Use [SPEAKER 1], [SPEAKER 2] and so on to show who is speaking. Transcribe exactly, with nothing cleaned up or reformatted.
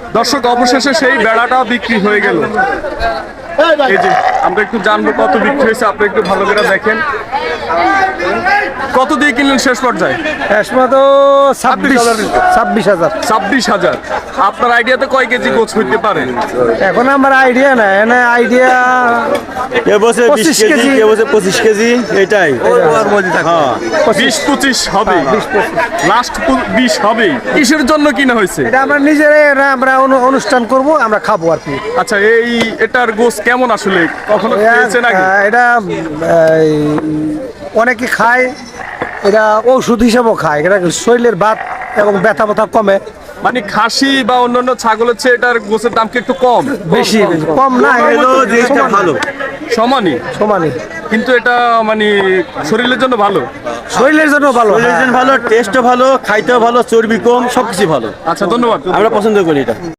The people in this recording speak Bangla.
[SPEAKER 1] দর্শক অবশেষে সেই বেড়াটা বিক্রি হয়ে গেল। এই যে আমরা একটু জানবো কত বিক্রি হয়েছে, আপনি একটু ভালো করে দেখেন। কত দিয়ে কিনলেন শেষ পর্যায়ে?
[SPEAKER 2] তো ছাব্বিশ ছাব্বিশ হাজার
[SPEAKER 1] ছাব্বিশ হাজার। আপনার আইডিয়াতে কয় কেজি গোছ হইতে পারে?
[SPEAKER 2] এখন আমার আইডিয়া নাই, এনে আইডিয়া
[SPEAKER 3] এ বছর বিশ
[SPEAKER 2] পঁচিশ
[SPEAKER 3] কেজি,
[SPEAKER 2] কেজি।
[SPEAKER 3] এ বছর পঁচিশ কেজি, এটাই হ্যাঁ।
[SPEAKER 1] বিশ পঁচিশ হবে, লাস্ট বিশ হবে। কিসের জন্য কিনা হয়েছে?
[SPEAKER 2] এটা আমরা নিজেরাই এটা আমরা অনু- অনুষ্ঠান করব, আমরা খাবো আর কি।
[SPEAKER 1] আচ্ছা, এই এটার গোছ কেমন আসলে, কখনো খেয়েছেন আগে?
[SPEAKER 2] আহ, এটা এই, অনেকে খায়, এটা ঔষধ হিসাবেও খায়, এটা শরীরের ভাত এবং ব্যথা ব্যথা কমে।
[SPEAKER 1] মানে খাসি বা অন্যান্য ছাগলের চেয়ে এটার গোছের দাম কি একটু কম?
[SPEAKER 2] বেশি কম না,
[SPEAKER 3] হলো জিনিসটা ভালো,
[SPEAKER 1] সমানই,
[SPEAKER 2] সমানই।
[SPEAKER 1] কিন্তু এটা মানে শরীরের জন্য ভালো।
[SPEAKER 2] শরীরের জন্য ভালো,
[SPEAKER 3] শরীরের জন্য ভালো, টেস্টও ভালো, খাইতেও ভালো, চর্বি কম, সবকিছু ভালো।
[SPEAKER 1] আচ্ছা, ধন্যবাদ।
[SPEAKER 3] আমরা পছন্দ করি এটা।